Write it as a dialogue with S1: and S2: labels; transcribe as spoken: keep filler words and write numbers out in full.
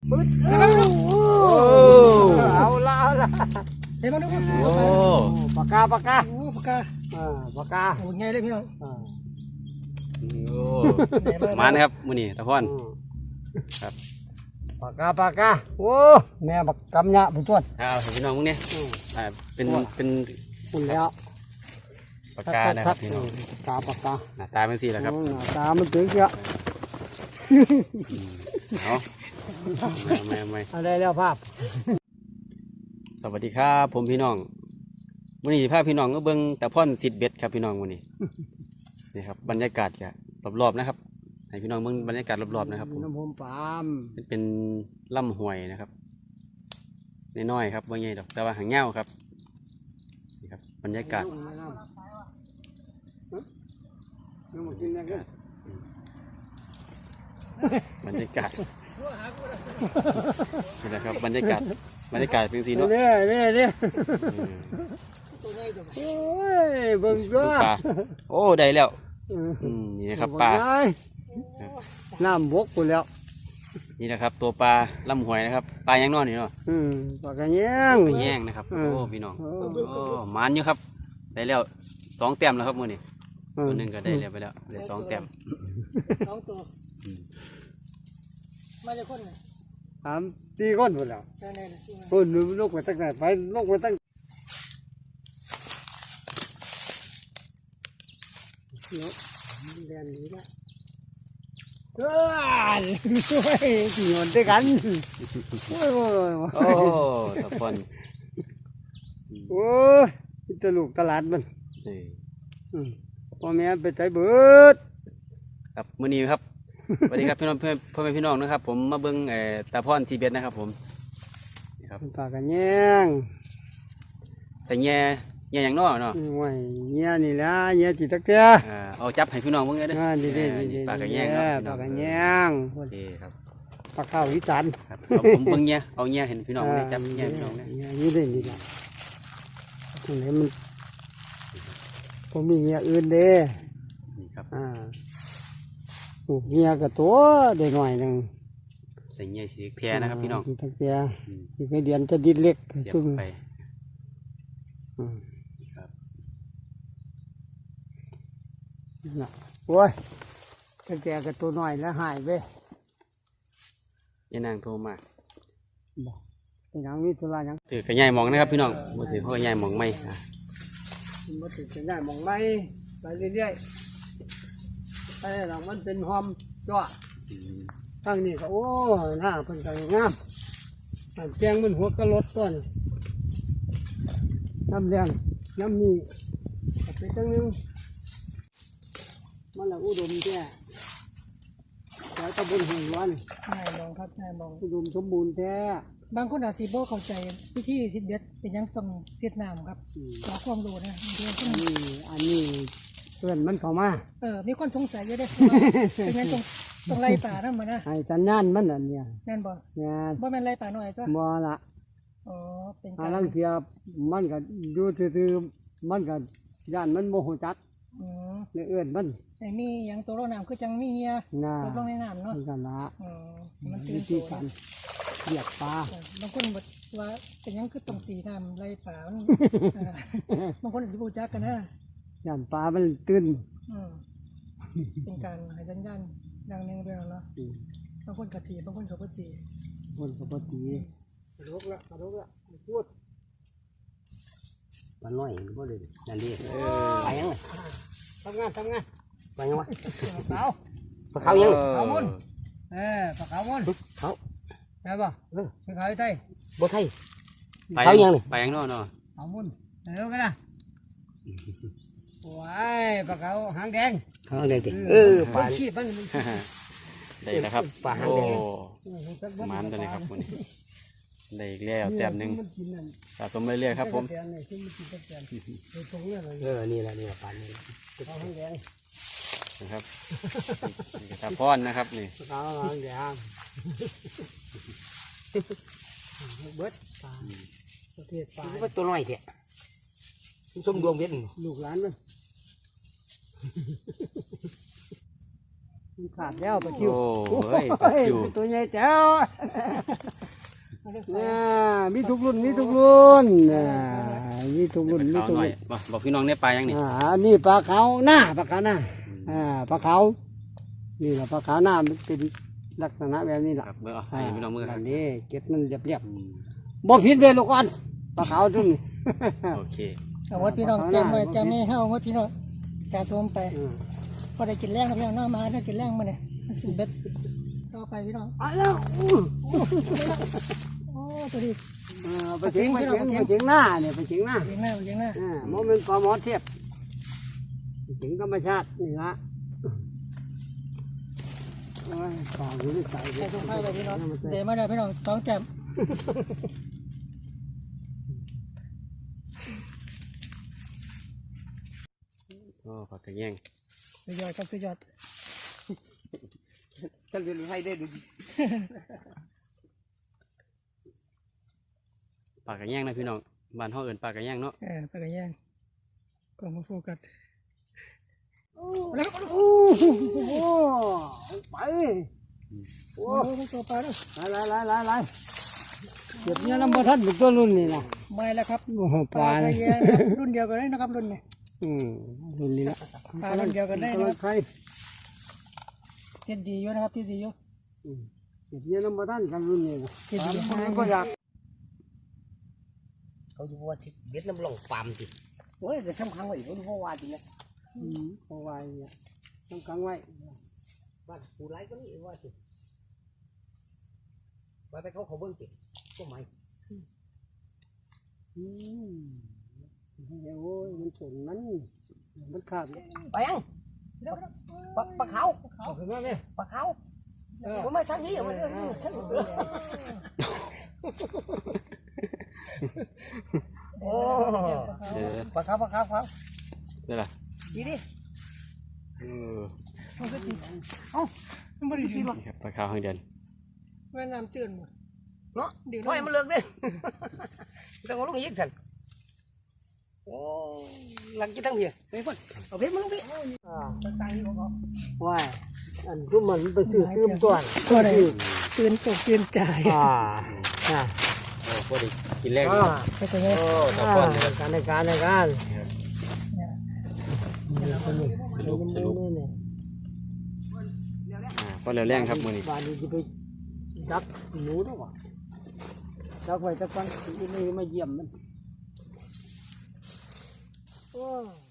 S1: ปึ๊ดเอาละเอาละเห็นมั้ยดูโอ้ปากกาปากกาโอ้ปากกาอ่าปากกาโอ้ใหญ่เลยพี่น้อง
S2: โอ้มานะครับมื้อนี้ตะพอนครับ
S1: ปากกาปากกาโอ้แม่บักกำยะผู้ตรวจ
S2: เอาพี่น้องมึงเนี่ยอ่าเป็นเป็น
S1: คุณแล้ว
S2: ปากกานะครับพี่น้อง
S1: ปากกาปากกา
S2: หน้าตาเป็นสีแหละครับ
S1: หน้าตามันถึงเชียว
S2: เอาไม่ไม่
S1: อะไรแล้วภาพ
S2: สวัสดีครับผมพี่น้องวันนี้ภาพพี่น้องก็เบิ้งตะพ่อนสิทธิ์เบ็ดครับพี่น้องวันนี้นี่ครับบรรยากาศครับรอบๆนะครับให้พี่น้องเบิ้งบรรยากาศรอบๆนะครับ
S1: น้ำพมปาม
S2: เป็นลำห้วยนะครับน้อยๆครับว่าไงดอกแต่ว่าหางเงี้ยวครับนี่ครับบรรยากาศบรรยากาศนี่แหละครับบรรยากาศบรรยากาศเป็นสีเนาะ
S1: เนี่ยเนี่ยเนี่ยโอ้ยเบิ่งจ้า
S2: โอ้ได้แล้วนี่นะครับปลา
S1: น้ำบกไปแล้ว
S2: นี่นะครับตัวปลาลำหวยนะครับปลายังนอนอยู่เนาะ
S1: ปลากระแยง
S2: ปลากระแยงนะครับโอ้พี่น้องโอ้มันอยู่ครับได้แล้วสองแต้มแล้วครับมือนี่ตัวหนึ่งก็ได้แล้วไปแล้วได้สองแต้ม
S1: สองตัวมาจากคนสามสี่คนหมดแล้วคนลูกไปตั้งแต่ไปลูกไปตั้งเนาะเรียนนี้ละเอ้ยช่วยกี่คนด้วยกันโอ้ย
S2: โอ้ตะพอน
S1: โอ้ยตะลูกตลาดมันพ่อแม่ไปใจเบิด
S2: ครับมื้อนี้ครับสวัสดีครับพี่น้องเพื่อนพ่อแม่พี่น้องนะครับผมมาเบิ้งเอ่อตะพอนซีเบ็ดนะครับผม
S1: นี่ครับปลากระแยง
S2: ใส่แง่แง่อย่างน้อเนาะ
S1: โอ้ยแง่นี่แหละแง่ตีตะเกียบ
S2: เอาจับให้พี่น้องเบิ่งเลยเด้อ
S1: ดีดีดี
S2: ปลากระแยงครับ
S1: ปลากระแยง
S2: โอเคครับ
S1: ปลาข้าววิจารณ์
S2: ครับผมเบิ่งแง่เอาแง่เห็นพี่น้องเลยจับแง่พี่น้องเลย
S1: นี่ได้นี่แหละตรงนี้มันผมมีแง่อื่นเด้
S2: นี่ครับ
S1: อ่าเงียกับตัวได้หน่อยหนึ่ง
S2: ใส่เงียสีแพรนะครับพี่น้อง
S1: สีแพรสีไม่เดียนจะดินเล็กจุ่ม
S2: ไป
S1: ครับน่ะโอ้ยตั้งแต่กับตัวหน่อยแล้วหายไป
S2: ยันนางโทรมา
S1: บอกเป็นยังมีธุระยัง
S2: ถือกระยายมองนะครับพี่น้องมือถือเขากระยายมองไม่
S1: มาถือกระยายมองไม่ไปเรื่อยไอ้หลังมันเป็นหอมจ้ะทั้งนี้ก็โอ้หน้าเป็นก็งามแกงมันหัวกระลดต้นน้ำแดงน้ำมีไปตั้งนึงมันละอุดมแท้แล้วตะบนหุ่นร้อนนายมองครับนายมองอุดมสมบูรณ์แท้บางคนอาจสิบ่เข้าใจวิธีทิศเบ็ดเป็นยังต้องเสียดน้ำครับขอความรู้นะอันนี้อันนี้เพื่อนมันเข้ามาเออมีคนสงสัยเยอะได้เป็นงั้นตรงตรงไรป่านั่นมานะไอ้สัญญาณมันอันเนี้ยแม่นบ่แม่นบ่แม่นไรป่าหน่อยก็บ่ละอ๋อเป็นการลังเทียบมันก็อยู่ซื่อๆมันก็ย่านมันโมโหจักอือในเอื้อนมันไอ้นี่ยังตัวโรน้ำคือจังมีเฮียตกลงในน้ำเนาะกันละอ๋อมันตื่นตัวกันเหยียบปลาบางคนบอกว่าเป็นยังคือต้องตีน้ำไรป่าบางคนอาจจะบูจักกันนะย่านปลามันตื่นเป็นการให้สัญญาณดังหนึ่งไปแล้วเนาะบางคนกะตีบางคนเขาปตีคนเขาปตีกระโดดละกระโดดละพูด
S2: มันน้อยก็เลยนั่นดิไปยังไง
S1: ทำงานทำงาน
S2: ไปยังวะ
S1: สาว
S2: ปลาเขายัง
S1: เขามุนเออปลาเขามุน
S2: เขา
S1: ใช่ป่ะเออปลาเขาไทย
S2: บ่ไทยเขายังนี่ไปยังน้อเนาะ
S1: เขามุนเดี๋ยวกันนะว้ายปลาเขาหางแดง
S2: หางแดงดิเออ
S1: ปลาขี้มัน
S2: ได้นะครับปลาหางแดงมันตัวนี้ครับคนนี้ได้อีกแล้วแต้มหนึ่งสะสมเรื่อยๆครับผม
S1: เออนี่แหละนี่ปลาเนี่ยปลาหางแดง
S2: นะครับนี่ตาพอนนะครับนี่
S1: ปลาหางแดงเบิดปลาประเทศปลา
S2: เป็นตัวน้อยเถอะส้มดวงเวียน
S1: ลูกหลานมันมันขาดแล้วปลาชิว
S2: โอ้เฮ้ยปลาซิว
S1: ตัวใหญ่แจ๋วเนี่ยมีทุกรุ่นมีทุกรุ่นอ่ามีทุกรุ่นมี
S2: ขาว
S1: ทุก
S2: หน่อ
S1: รุ่
S2: ย
S1: น
S2: บ่บอกพี่น้องได้ปลายังนี่
S1: อ่าอันนี้ปลาขาวหน้าปลาขาวหน้าอ่าปลาขาวนี่แหละปลาขาวหน้ามันเป็นลักษณะแบบนี้แหละ
S2: ครับเมื่อเอาให้พี่น้องมือค
S1: อั
S2: รับ
S1: นนี้เก็ดมันเรียบเรียบ
S2: อืม
S1: ๆบ่ผิดเลยลูกอ่อนปลาขาวจุ่น
S2: โอเค
S1: เอาวัดพี่น้องจำไว้จำไม่เฮาวัดพี่น้องกาสวมไปพอได้กินแรงนะพี่น้องน้ามาได้กินแรงมาเนี่ยมันสิเบ็ดต่อไปพี่น้องเอาแล้วโอ้ตัวนี้
S3: ไปถึงไปถึงไปถึงหน้าเนี่ยไปถึงหน้า
S1: เลี้ยงหน้าเลี้ยงหน้า
S3: อ่าโมเมนต์ปลาหมอเทียบไปถึงธรรมชาตินี่ละโอ้ยปลาอยู่ในใจ
S1: ใส่ถุงผ้าไปพี่น้องเดี๋ยวมาได้พี่น้องสองแจ่ม
S2: โอ้ปลากระแยง
S1: สุดยอดครับสุดยอด
S3: ฉันเรียนให้ได้ดู
S2: ปลากระแยงนะพี่น้องบ้านเฮาเอิ้นปลากระแยงเนาะ
S1: เออตะกะแย่งกล้องมาโฟกัส
S3: โอ้โหไป
S1: โอ้โหตัวปลาด้วย
S3: ไล่ไล่ไล่ไล่เก็บเนี่ยน้ำมันทันบุกตัวรุ่นนี่นะ
S1: ไม่แล้วครับ
S3: โอ้โห
S1: ป
S3: ป
S1: ลา
S3: ลา
S1: ตะแยงนะครับรุ่นเดียวกันได้นะครับรุ่นนี้
S3: อืมรุ่นนี้ละ
S1: ปลารุ่นเดียวกันได้นะครับ
S3: ใคร
S1: เทียนดีอยู่นะครับเทียนดีอยู่
S3: เก็บเนี่ยน้ำมันทันกันรุ่นนี้นะ
S1: เทียนดี
S3: มันก็อยาก
S4: เขาอยู่ว่าสิเบ็ดน้ำหลงปามติโอ้ยแต่สำคัญว่าอีกเขาดูว่าว่าจริงนะ
S3: อืมเอาไว้เนี่ยต้องกังไว้
S4: บ้านผู้ไรก็นี่ว่าสิไปไปเขาเขาเบิ้งติก็ไม่
S3: อืมโอ้ยมันสนมันมันขาด
S4: ไปยังปลาปลาขาว
S3: เอาขึ้นมาไหม
S4: ปลาขาวผมไม่ทันนี้มันเออโอ้
S2: เออ
S4: ปลาขาวปลาขาวครับ
S2: ได้ล่ะ
S4: ดีดิ
S2: เออ
S1: มันก็ติดเอ้ามันไม่ได้ติดหรอก
S2: นี่ครับปลาขาวหางแดง
S1: แม่น้ำตื้นหมด
S4: เนาะเดี๋ยวให้มันเลิกเด้ต้องเอาลงอีกสันโอ้หลังกี่ตั้งเพียไปพ่นเอาเพชรมาลงพี่อ่าตั้งที่เขา
S3: ว่าอันทุกมันไปซื้อซื้อตัว
S1: ก็ได้ตื่นตกตื่นใจ
S3: อ่าอ่า
S2: โอ้พอดีกินแรง
S3: อ่า
S1: ก็ตัวนี้
S2: โอ้ตะพอนเลยครับ
S3: การในการในการ
S2: สรุปสรุปอ่าพอแล้วแรงครับมื้อนี้
S3: บ้านนี้จะไปดักหนูด้วยวะดักไว้ตะกันที่นี่มาเยี่ยมมันโอ้